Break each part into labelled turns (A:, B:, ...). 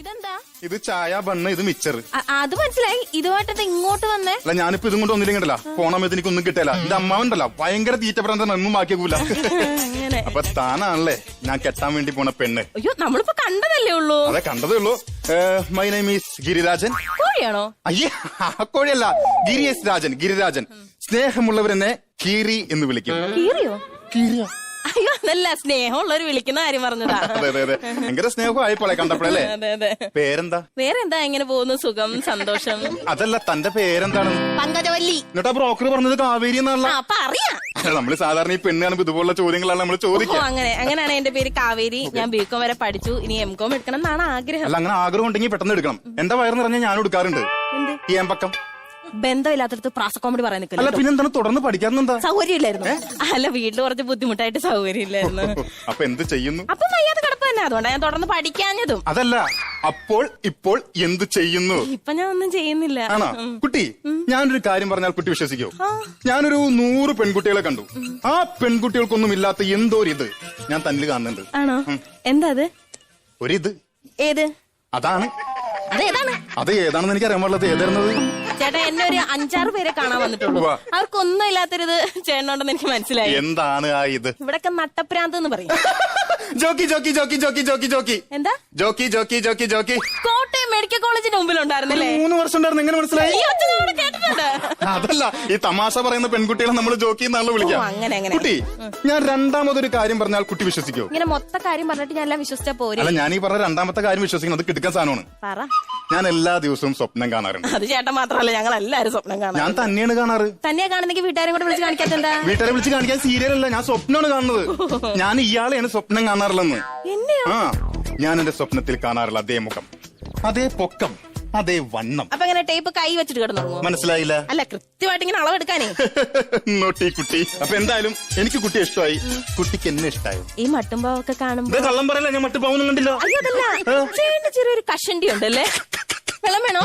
A: ഇതെന്താ?
B: ഇത് ചായ, ബണ്ണ്, ഇത് മിച്ചർ.
A: അത് മനസ്സിലായി. ഇതുമായിട്ടത് ഇങ്ങോട്ട് വന്നേ?
B: അല്ല, ഞാനിപ്പോ ഇതും കൊണ്ട് ഒന്നില്ലെങ്കിലല്ല, പോണമയത്ത് എനിക്കൊന്നും കിട്ടില്ല. എന്റെ അമ്മാവണ്ടല്ല, ഭയങ്കര തീറ്റപ്പെടാൻ ഒന്നും ബാക്കിയാക്കൂല. അപ്പൊ താനാണല്ലേ ഞാൻ കെട്ടാൻ വേണ്ടി പോണ പെണ്ണ്.
A: അയ്യോ, നമ്മളിപ്പോ കണ്ടതല്ലേ ഉള്ളൂ.
B: അതെ, കണ്ടതേ ഉള്ളൂ. My name is Girirajan.
A: കോഴിയാണോ?
B: അയ്യേ, കോഴിയല്ല, ഗിരിയസ് രാജൻ. ഗിരിരാജൻ. സ്നേഹമുള്ളവരെന്നെ കീറി എന്ന് വിളിക്കും.
A: കീറിയോ?
B: കീറിയോ?
A: അയ്യോ, അതല്ല, സ്നേഹമുള്ളവര് വിളിക്കുന്ന കാര്യം പറഞ്ഞതാ.
B: അതെ അതെ അതെ, ഭയങ്കര സ്നേഹമായിപ്പോളെ കണ്ടപ്പോഴല്ലേ.
A: അതെ അതെ.
B: പേരെന്താ?
A: വേറെന്താ, എങ്ങനെ പോകുന്നു? സുഖം, സന്തോഷം.
B: അതല്ല, തന്റെ പേരെന്താണ്?
A: പങ്കജവല്ലി.
B: എന്നിട്ടാ ബ്രോക്കർ പറഞ്ഞത് കാവേരി എന്നുള്ള.
A: അപ്പൊ അറിയാം.
B: നമ്മള് സാധാരണ ഈ പെണ്ണ് കാണുമ്പോ ഇതുപോലുള്ള ചോദ്യങ്ങളാണ് നമ്മൾ ചോദിക്കുക.
A: അങ്ങനെയാണ് എന്റെ പേര് കാവേരി. ഞാൻ ബികോം വരെ പഠിച്ചു. ഇനി എംകോം എടുക്കണം എന്നാണ് ആഗ്രഹം.
B: അല്ല, അങ്ങനെ ആഗ്രഹം ഉണ്ടെങ്കിൽ പെട്ടെന്ന് എടുക്കണം. എന്റെ വയറ് നിറഞ്ഞ ഞാൻ എടുക്കാറുണ്ട്. ഈ ഏമ്പക്കം
A: ബന്ധമില്ലാത്തടത്ത് പ്രാസ കോമഡി പറയാൻ
B: അല്ല,
A: നിൽക്കില്ല.
B: പിന്നെന്താണ് തുടർന്ന് പഠിക്കാനെന്താ?
A: സൗകര്യമില്ലായിരുന്നു. അല്ല, വീട്ടിൽ കുറച്ച് ബുദ്ധിമുട്ടായിട്ട് സൗകര്യമില്ലായിരുന്നു.
B: അപ്പൊ എന്ത് ചെയ്യുന്നു?
A: അപ്പൊ വയ്യാതെ കിടപ്പ് തന്നെ. അതുകൊണ്ടാണ് ഞാൻ തുടർന്ന് പഠിക്കാഞ്ഞതും.
B: അതല്ല, അപ്പോൾ ഇപ്പോൾ എന്ത് ചെയ്യുന്നു?
A: ഇപ്പൊ ഞാൻ ഒന്നും ചെയ്യുന്നില്ല.
B: ആണോ? കുട്ടി, ഞാനൊരു കാര്യം പറഞ്ഞാൽ കുട്ടി വിശ്വസിക്കോ? ഞാനൊരു 100 പെൺകുട്ടികളെ കണ്ടു. ആ പെൺകുട്ടികൾക്കൊന്നും ഇല്ലാത്ത എന്തോ ഒരു ഇത് ഞാൻ തന്നിൽ കാണുന്നുണ്ട്.
A: ആണോ? എന്താ അത്?
B: ഒരിത്.
A: ഏത്?
B: അതാണ്.
A: അതേതാണ്?
B: അത് ഏതാണെന്ന് എനിക്ക് അറിയാൻ പാടില്ല. ഏതായിരുന്നത്?
A: ചേട്ടാ, എന്നെ ഒരു 5-6 പേരെ കാണാൻ വന്നിട്ടുള്ളൂ. അവർക്കൊന്നും ഇല്ലാത്തൊരിത് ചേട്ടനുണ്ടെന്ന് എനിക്ക് മനസ്സിലായി.
B: എന്താണ് ആ ഇത്?
A: ഇവിടൊക്കെ നട്ടപ്രാന്ത് എന്ന് പറയും.
B: ജോക്കി ജോക്കി ജോക്കി ജോക്കി ജോക്കി ജോക്കി.
A: എന്താ?
B: ജോക്കി ജോക്കി ജോക്കി ജോക്കി.
A: കോട്ടയം മെഡിക്കൽ കോളേജിന്റെ മുമ്പിലുണ്ടായിരുന്നല്ലേ?
B: 3 വർഷം ഉണ്ടായിരുന്നു. എങ്ങനെ മനസ്സിലായി?
A: കേട്ടിട്ടുണ്ട്.
B: അതല്ല, ഈ തമാശ പറയുന്ന പെൺകുട്ടികളെ നമ്മൾ ജോക്കി എന്നാണല്ലോ വിളിക്കാം.
A: അങ്ങനെ അങ്ങനെ.
B: കുട്ടി, ഞാൻ രണ്ടാമതൊരു കാര്യം പറഞ്ഞാൽ കുട്ടി വിശ്വസിക്കോ?
A: ഇങ്ങനെ മൊത്ത കാര്യം പറഞ്ഞിട്ട് ഞാൻ എല്ലാം വിശ്വസിച്ചാ പോരെ?
B: അല്ല, ഞാൻ ഈ പറഞ്ഞ രണ്ടാമത്തെ കാര്യം വിശ്വസിക്കണം. അത് കിടക്കാൻ സാധനമാണ്.
A: പറ.
B: ഞാൻ എല്ലാ ദിവസവും സ്വപ്നം കാണാറുണ്ട്.
A: അത് ചേട്ടൻ മാത്രമല്ല, ഞങ്ങൾ എല്ലാരും സ്വപ്നം കാണാം.
B: ഞാൻ തന്നെയാണ് കാണാറ്.
A: തന്നെയാ കാണുന്നെങ്കിൽ വീട്ടുകാരെ കൂടെ വിളിച്ച് കാണിക്കാത്തെന്താ?
B: വീട്ടുകാരെ വിളിച്ച് കാണിക്കാൻ സീരിയലല്ല, ഞാൻ സ്വപ്നമാണ് കാണുന്നത്. ഞാൻ ഇയാളെയാണ് സ്വപ്നം കാണാറുള്ളെന്ന്.
A: എന്നെയോ?
B: ആ, ഞാൻ എന്റെ സ്വപ്നത്തിൽ കാണാറുള്ള അതേ മുഖം, അതേ പൊക്കം, അതേ വണ്ണം.
A: അപ്പൊ ഇങ്ങനെ ടേപ്പ് കൈ വെച്ചിട്ട് കിടന്നു?
B: മനസ്സിലായില്ല?
A: അല്ല, കൃത്യമായിട്ട് ഇങ്ങനെ അളവെടുക്കാനേ.
B: നോട്ടി കുട്ടി. അപ്പൊ എന്തായാലും എനിക്ക് കുട്ടിയെ ഇഷ്ടമായി, കുട്ടിക്ക് എന്നെ ഇഷ്ടമായി.
A: ഈ മട്ടുംപാവൊക്കെ കാണുമ്പോ
B: കള്ളം പറയല്ല, ഞാൻ മട്ടുപാവൊന്നും കണ്ടില്ല.
A: അയ്യോ, അതല്ല, ചേട്ടന് ചെറിയൊരു കഷണ്ടി ഉണ്ടല്ലേ? വെള്ളം വേണോ?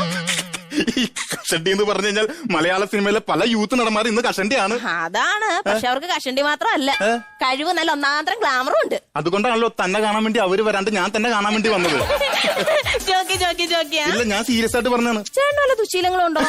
B: ഈ കഷണ്ടി എന്ന് പറഞ്ഞു കഴിഞ്ഞാൽ മലയാള സിനിമയിലെ പല യൂത്ത് നടന്മാർ ഇന്ന് കഷണ്ടിയാണ്.
A: അതാണ്. പക്ഷെ അവർക്ക് കഷണ്ടി മാത്രമല്ല, കഴിവ് നല്ല ഒന്നാന്തരം ഗ്ലാമറും ഉണ്ട്.
B: അതുകൊണ്ടാണല്ലോ തന്നെ കാണാൻ വേണ്ടി അവര് വരാണ്ട് ഞാൻ തന്നെ കാണാൻ വേണ്ടി വന്നത്.
A: ജോക്കി ജോക്കി ജോക്കിയാ?
B: ഇല്ല, ഞാൻ സീരിയസ് ആയിട്ട് പറഞ്ഞാണ്.
A: ചേട്ടന് വല്ല ദുശീലങ്ങളുണ്ടോ?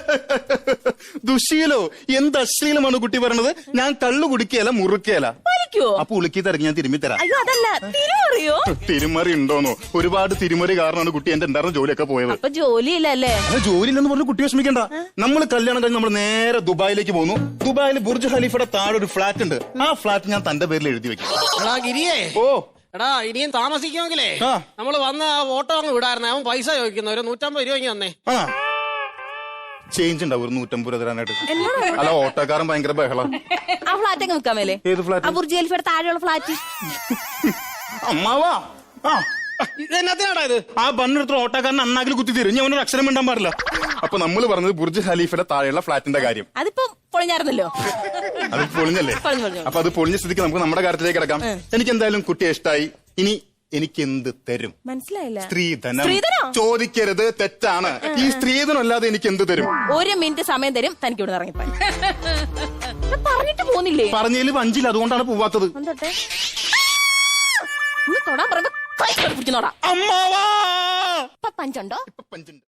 B: ദുശീലോ? എന്ത് അശ്ലീലമാണ് കുട്ടി പറയണത്? ഞാൻ കള്ളു കുടിക്കുകയല്ല, മുറുക്കുകയല്ല. അപ്പൊ ഉളുക്കി തിരക്കി ഞാൻ തിരുമ്മി തരാം.
A: അയ്യോ, അതല്ല, തിരുമറിയോ?
B: തിരുമറി ഉണ്ടോന്നോ? ഒരുപാട് തിരുമറി കാരണമാണ് കുട്ടി എന്റെ ഉണ്ടായിരുന്ന ജോലിയൊക്കെ പോയത്.
A: അപ്പൊ ജോലിയില്ലല്ലേ?
B: ജോലിയില്ലെന്ന് പറഞ്ഞു കുട്ടി വിഷമിക്കണ്ട. നമ്മൾ കല്യാണം കഴിഞ്ഞ് നമ്മൾ നേരെ ദുബായിലേക്ക് പോന്നു. ദുബായിൽ ബുർജ് ഖലീഫയുടെ താഴെ ഒരു ഫ്ലാറ്റ് ഉണ്ട്. ആ ഫ്ലാറ്റ് ഞാൻ തന്റെ പേരിൽ എഴുതി വെക്കും. ഓ
C: എടാ, ഇനിയും താമസിക്കുമെങ്കിലേ നമ്മള് വന്ന ഓട്ടോ അങ്ങ് വിടായിരുന്നു. അവൻ പൈസ ചോദിക്കുന്ന ഒരു 150 രൂപ തന്നെ.
B: ചേഞ്ച് ഉണ്ടാവും ഒരു 150 രൂപ തരാനായിട്ട്. അല്ല, ഓട്ടോക്കാരൻ ഭയങ്കര ബഹളം.
A: ആ ഫ്ലാറ്റ് അങ്ങ് വിൽക്കാൻ മേലെ?
B: ഏത് ഫ്ലാറ്റ്?
A: ബുർജ് ഖലീഫയുടെ താഴെയുള്ള ഫ്ലാറ്റ്.
B: അമ്മാവാ,
C: ഇതെന്നാത്തിനാടാ ഇത്?
B: ആ ബണ്ണെടുത്ത ഓട്ടോക്കാരൻ അണ്ണാക്കിൽ കുത്തി തരും. ഞാൻ അവനൊരു അക്ഷരം മിണ്ടാൻ പാടില്ല. അപ്പൊ നമ്മൾ പറഞ്ഞത് ബുർജ് ഖലീഫയുടെ താഴെയുള്ള ഫ്ലാറ്റിന്റെ കാര്യം.
A: അതിപ്പോ പൊളിഞ്ഞായിരുന്നല്ലോ.
B: അത് പൊളിഞ്ഞല്ലേ? അപ്പൊ അത് പൊളിഞ്ഞ സ്ഥിതിക്ക് നമുക്ക് നമ്മുടെ കാര്യത്തിലേക്ക് കിടക്കാം. എനിക്ക് എന്തായാലും കുട്ടിയെ ഇഷ്ടമായി. ഇനി എനിക്ക് എന്ത് തരും?
A: മനസ്സിലായില്ല.
B: സ്ത്രീധനം ചോദിക്കരുത്, തെറ്റാണ്. ഈ സ്ത്രീധനം അല്ലാതെ എനിക്ക് എന്ത് തരും?
A: 1 മിനിറ്റ് സമയം തരും. തനിക്ക് ഇവിടെ ഇറങ്ങിപ്പോ പറഞ്ഞിട്ട് പോന്നില്ലേ?
B: പറഞ്ഞതിൽ 5 അതുകൊണ്ടാണ് പോവാത്തത്.
A: തൊടാൻ പറയുമ്പോ കൈ പിടിക്കുന്നോടാ.
B: അമ്മാവാ,
A: പഞ്ചുണ്ടോ?
B: പഞ്ചുണ്ട്.